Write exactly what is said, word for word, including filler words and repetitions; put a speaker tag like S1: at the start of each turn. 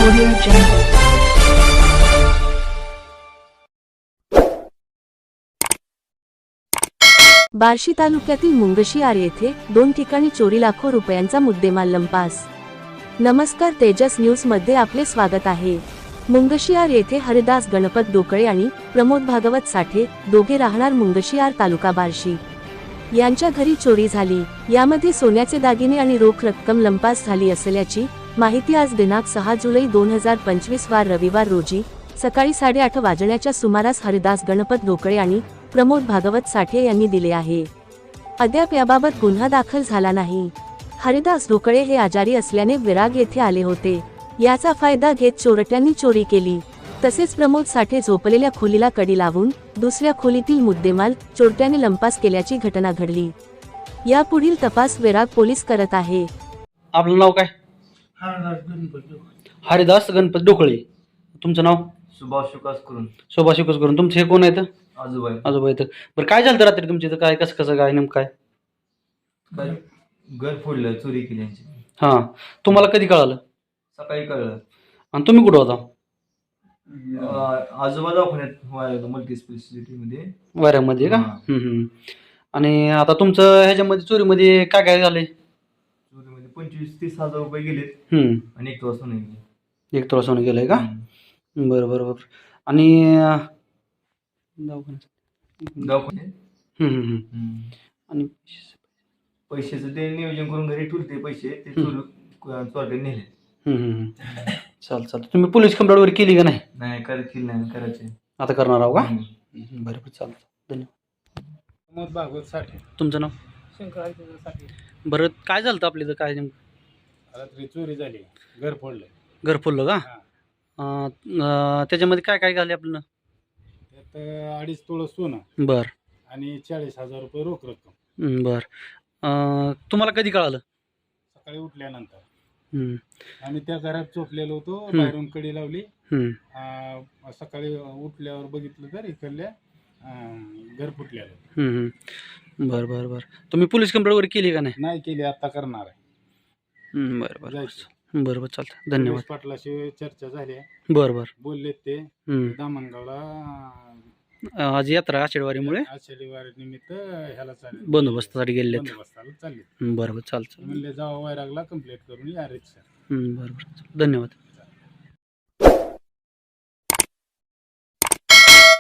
S1: Audio Jungle.
S2: Barshi तालुक्यातील मुंगशीआर येथे दोन ठिकाणी चोरी लाखो रुपयांचा मुद्देमाल लंपास. नमस्कार, तेजस न्यूज मध्ये आपले स्वागत आहे. मुंगशीआर येथे हरिदास गणपत डोकळे आणि प्रमोद भागवत साठे दोघे राहणार मुंगशीआर तालुका बार्शी यांच्या घरी चोरी झाली. यामध्ये सोन्याचे दागिने आणि रोख रक्कम लंपास झाली असल्याची माहिती आज दिनांक सहा जुलै दोन हजार पंचवीस वार रविवार रोजी सकाळी साडेआठ वाजण्याच्या सुमारास हरिदास गणपत डोकळे आणि प्रमोद भागवत साठे यांनी दिले आहे. अद्याप याबाबत गुन्हा दाखल झाला नाही. हरिदास डोकळे हे आजारी असल्याने विराग येथे आले होते. याचा फायदा घेत चोरट्यांनी चोरी केली. तसेच प्रमोद साठे झोपलेल्या खोलीला कडी लावून दुसऱ्या खोलीतील मुद्देमाल चोरट्याने लंपास केल्याची घटना घडली. यापुढील तपास विराग पोलीस करत आहे.
S3: आपलं नाव काय? हरिदास गणपत डोकळे. तुमचं नाव?
S4: सुभाष विकास करून.
S3: शोभा शिकस करून. तुमचे हे कोण आहेत?
S4: आजोबा आहे.
S3: आजोबा आहेत. बरं, काय झालं रात्री तुमच्या इथं? काय कसं कसं काय नेमकं काय?
S4: काय घर फोडलं, चोरी केली यांची.
S3: हां, तुम्हाला कधी कळालं?
S4: सकाळी कळलं.
S3: आणि तुम्ही कुठं होता?
S4: अं, आजोबा दवाखान्यात मल्टी स्पेशालिटी मध्ये
S3: वाऱ्यामध्ये का?
S4: हां.
S3: हम्म, हम्म. आणि आता तुमचं ह्याच्यामध्ये चोरीमध्ये काय काय झालंय?
S4: चोरीमध्ये पंचवीस तीस हजार रुपये गेलेत
S3: हम्म,
S4: आणि एक वाजता नाही गेले.
S3: एक तोळा सोनं गेलंय का?
S4: हम्म.
S3: बरं बरं बरं. आणि अं, दवाखान्यात.
S4: दवाखान्यात.
S3: हम्म, हम्म, हम्म.
S4: हम्म.
S3: आणि
S4: पैशाचं ते नियोजन करून घरी ठेवले पैसे, ते चोर चोरट्याने नेले.
S3: हम्म, हम्म, हम्म. चाल चाल. तुम्ही पोलीस कंप्लेंट वगैरे केली का नाही?
S4: नाही करत केली नाही, करायचे.
S3: आता करणार आहो का?
S4: हम्म.
S3: बरं बरं, चालतं. धन्यवाद.
S5: प्रमोद भागवत साठे.
S3: तुमचं नाव?
S5: शंकर हरिचंद्र साठे.
S3: बरं, काय झालं होतं आपल्या इथं? काय नेमकं
S5: रात्री चोरी झाली, घर फोडलं.
S3: घर फुललं का?
S5: हा.
S3: अं, अं, त्याच्यामध्ये काय काय झाले आपलं?
S5: त्यात अडीच तोळं सोनं
S3: बर
S5: आणि चाळीस हजार रुपये रोख रक्कम.
S3: हं, बर. अं, तुम्हाला कधी कळालं?
S5: सकाळी उठल्यानंतर
S3: हं,
S5: आम्ही त्या घरात झोपलेलो होतो.
S3: हम्म.
S5: बाहेरून कडी लावली.
S3: हं.
S5: अं, सकाळी उठल्यावर बघितलं तर इकडल्या अं, घर फुटलेलं.
S3: हं, हं. बरं बरं बरं. तुम्ही पोलीस कंप्लेंट वगैरे केली का नाही?
S5: नाही केली, आता करणार आहे.
S3: हं, बरं बरं
S5: जायचं.
S3: बरं बरं, चालतं. धन्यवाद.
S5: पोलीस पाटलाशी चर्चा झाली आहे.
S3: बरं बरं.
S5: बोललेत ते
S3: हं.
S5: दामणगावला
S3: अं, आज यात्रा आषाढवारीमुळे
S5: शनिवार निमित्त ह्याला चालले,
S3: बंदोबस्तासाठी गेले आहेत.
S5: बंदोबस्ताला चालले.
S3: बरं बरं, चालतं.
S5: म्हणले जावा वैरागला कंप्लीट करून या रिक्षा.
S3: हं, बरं बरं, धन्यवाद.